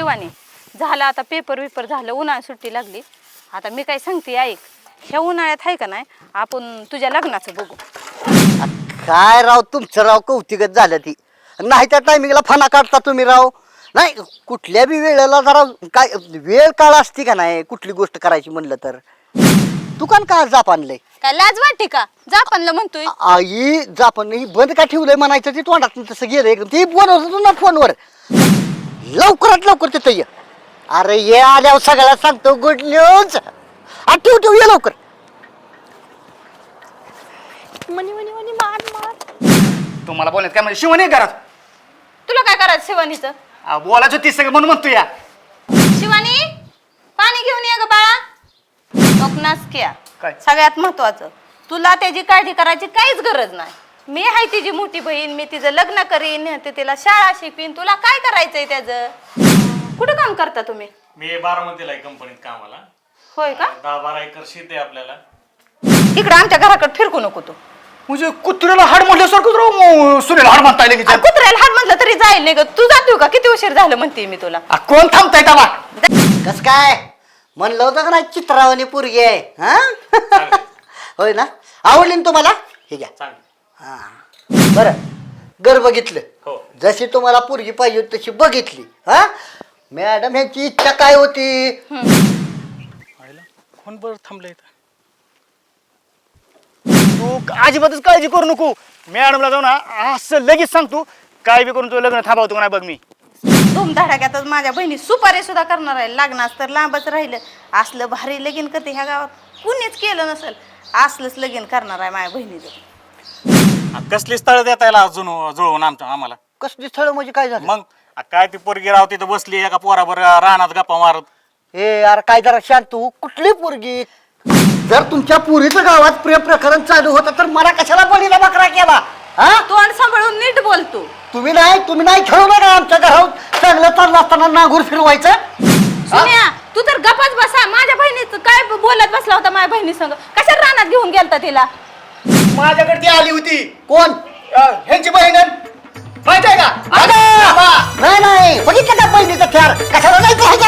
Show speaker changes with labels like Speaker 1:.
Speaker 1: शिवानी झालं आता पेपर विपर झालं उन्हाळ्यात सुट्टी लागली आता मी काय सांगते ऐक ह्या उन्हाळ्यात आहे का नाही आपण तुझ्या लग्नाचं बघू
Speaker 2: काय राव तुमचं राव कौतिकच झालं ती नाही त्या टायमिंगला फना काढता तुम्ही राव नाही कुठल्या बी वेळेला जरा काय वेळ काळ असते का नाही कुठली गोष्ट करायची म्हणलं तर दुकान का जाप आणलंय
Speaker 1: काय लाज वाटते का जापानला म्हणतोय
Speaker 2: आई जापन ही बंद का ठेवलंय म्हणायचं ते तोंडात तसं गेलं एकदम ते बोलवत होतो ना फोनवर लवकरात लवकर तिथं ये अरे ये आल्यावर सगळ्याला सांगतो गुड न्यूज ठेव ठेव ये लवकर
Speaker 1: मनी मनी मनी मार मार
Speaker 3: तुम्हाला बोलण्यात काय म्हणजे शिवणी घरात
Speaker 1: तुला काय करायचं शिवानीचं
Speaker 3: बोलायचं तीच सगळं म्हणून म्हणतो या
Speaker 1: शिवानी पाणी घेऊन ये ग बाळा क्या
Speaker 3: काय?
Speaker 1: सगळ्यात महत्वाचं तुला त्याची काळजी करायची काहीच गरज नाही मी आहे तिची मोठी बहीण मी तिचं लग्न करीन ते तिला शाळा शिकवीन तुला काय करायचंय त्याचं कुठं काम करता तुम्ही
Speaker 4: मी बारामतीला आहे कंपनीत कामाला
Speaker 1: होय का
Speaker 4: 10-12 एकर शेत आहे आपल्याला
Speaker 1: इकडं आमच्या घराकडे फिरकू नको तू
Speaker 3: म्हणजे कुत्र्याला हाड म्हटल्यासारखं राव सुनेला हाड म्हणता येईल की
Speaker 1: कुत्र्याला हाड म्हटलं तरी जाईल नाही ग तू जातो का किती उशीर झालं म्हणते मी तुला
Speaker 3: कोण थांबताय का
Speaker 2: कस काय म्हणलं होतं का नाही चित्रावानी पोरगी आहे हा होय ना आवडली ना तुम्हाला हे घ्या
Speaker 4: चांगलं
Speaker 2: हा बरं घर बघितलं
Speaker 4: हो
Speaker 2: जशी तुम्हाला पोरगी पाहिजे होती तशी बघितली हा मॅडम ह्यांची इच्छा काय होती
Speaker 4: कोण बरं थांबलं इथं
Speaker 3: तू अजिबातच काळजी करू नको मॅडमला जाऊ ना असं लगेच सांगतो काय बी करून तुझं लग्न थांबवतो का नाही बघ मी
Speaker 1: धुमधडाक्यातच माझ्या बहिणी सुपारी सुद्धा करणार आहे लग्नास तर लांबच राहिलं असलं भारी लगीन करते ह्या गावात कुणीच केलं नसेल असलंच लगीन करणार आहे माझ्या बहिणीचं
Speaker 4: कसली स्थळ देता येईल अजून जुळवून आम्हाला
Speaker 2: कसली स्थळ म्हणजे काय झालं
Speaker 4: मग काय ती पोरगी राव तिथं बसली एका पोराबर रानात गप्पा मारत
Speaker 2: ए यार काय जरा शांत तू कुठली पोरगी जर तुमच्या पुरीचं गावात प्रेम प्रकरण चालू होतं तर मला कशाला बळीला बकरा केला हा
Speaker 1: तोंड सांभाळून नीट बोलतो
Speaker 2: तुम्ही नाही खेळू नका आमच्या घरात चांगलं चाललं असताना नांगूर फिरवायचं
Speaker 1: सुन्या तू तर गपच बसा माझ्या बहिणीचं काय बोलत बसला होता माझ्या बहिणी संग कशा रानात घेऊन गेलता तिला
Speaker 3: माझ्याकडे ती आली होती
Speaker 2: कोण
Speaker 3: ह्यांची बहीण माहित आहे का
Speaker 2: नाही बघितलं का बहिणीचं थ्यार कशाला जायचं